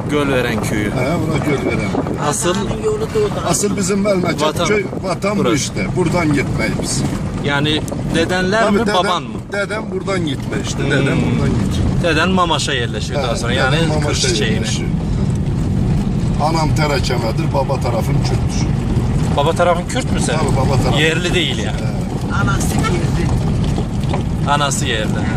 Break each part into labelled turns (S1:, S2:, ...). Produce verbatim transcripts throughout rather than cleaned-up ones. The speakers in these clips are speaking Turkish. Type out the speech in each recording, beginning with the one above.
S1: Gölveren köyü.
S2: He, bura Gölveren.
S1: Asıl
S2: Asıl bizim Melmeket
S1: Vatan.
S2: köy vatan bu
S1: Burası.
S2: işte. Buradan gitmeyiz.
S1: yani dedenler mi baban mı?
S2: Dedem buradan gitme işte. Dedem
S1: Hmm.
S2: buradan gitme.
S1: Deden Mamaş'a yerleşiyor daha sonra. Yani kır çiçeğine.
S2: Anam Terekeme'dir, baba tarafın Kürt'tür.
S1: Baba tarafın Kürt mü sen?
S2: Tabii baba tarafın.
S1: Yerli değil yani.
S3: Anası girdi.
S1: Anası yerli. Ha.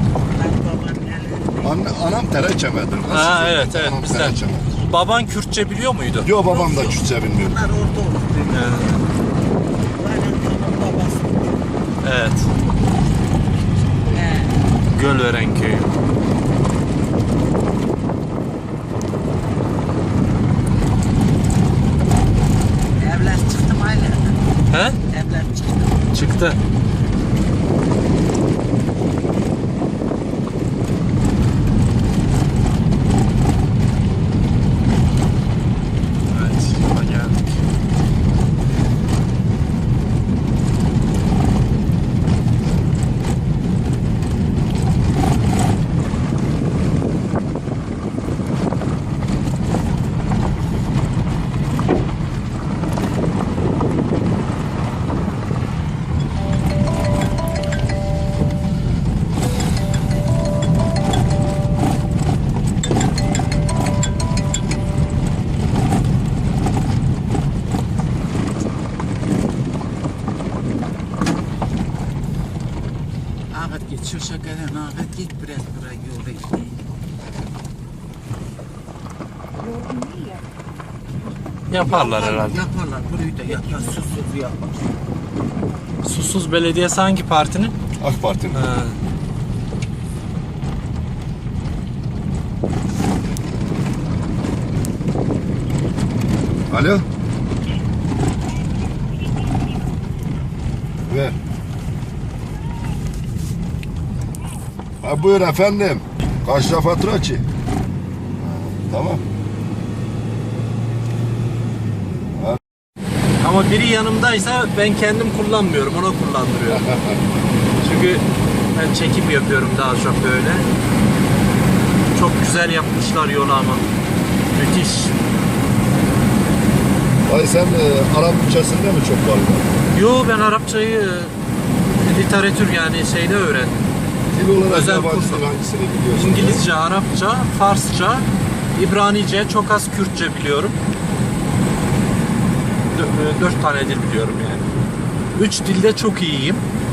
S2: Anne, anam Terekeme'dir.
S1: Ha, evet evet
S2: Anam
S1: bizden.
S2: Terekeme'dir.
S1: Baban Kürtçe biliyor muydu?
S2: Yo, babam da Kürtçe bilmiyor.
S3: Bunlar orada oldu.
S1: Ha,
S3: Aynen babam babası.
S1: evet.
S3: He.
S1: Gölveren köyü.
S3: Evler çıktım aynen.
S1: He?
S3: Evler çıktı.
S1: Çıktı. Evet, yola geldik.
S3: Ahmet git şu şakadan Ahmet git biraz buraya yol bekleyin.
S1: Yaparlar herhalde.
S3: Yaparlar burayı da yapar susuz yapar.
S1: Susuz Belediyesi hangi partinin?
S2: AK Parti'nin.
S1: Ha.
S2: Alo. Ver. Ha, buyur efendim. Kaç lira fatura ki? Ha, tamam.
S1: Ama biri yanımdaysa ben kendim kullanmıyorum, ona kullandırıyorum. Çünkü ben çekim yapıyorum daha çok böyle. Çok güzel yapmışlar yolu ama. Müthiş.
S2: Ay sen e, Arap ülkesinde mi çok var?
S1: Yo, ben Arapçayı e, literatür yani şeyde öğrendim.
S2: Dil olarak
S1: Özel
S2: yabancı
S1: kurs.
S2: dil hangisini biliyorsun?
S1: İngilizce, Arapça, Farsça, İbranice, çok az Kürtçe biliyorum. Dö- Dört tane dil biliyorum yani. Üç dilde çok iyiyim.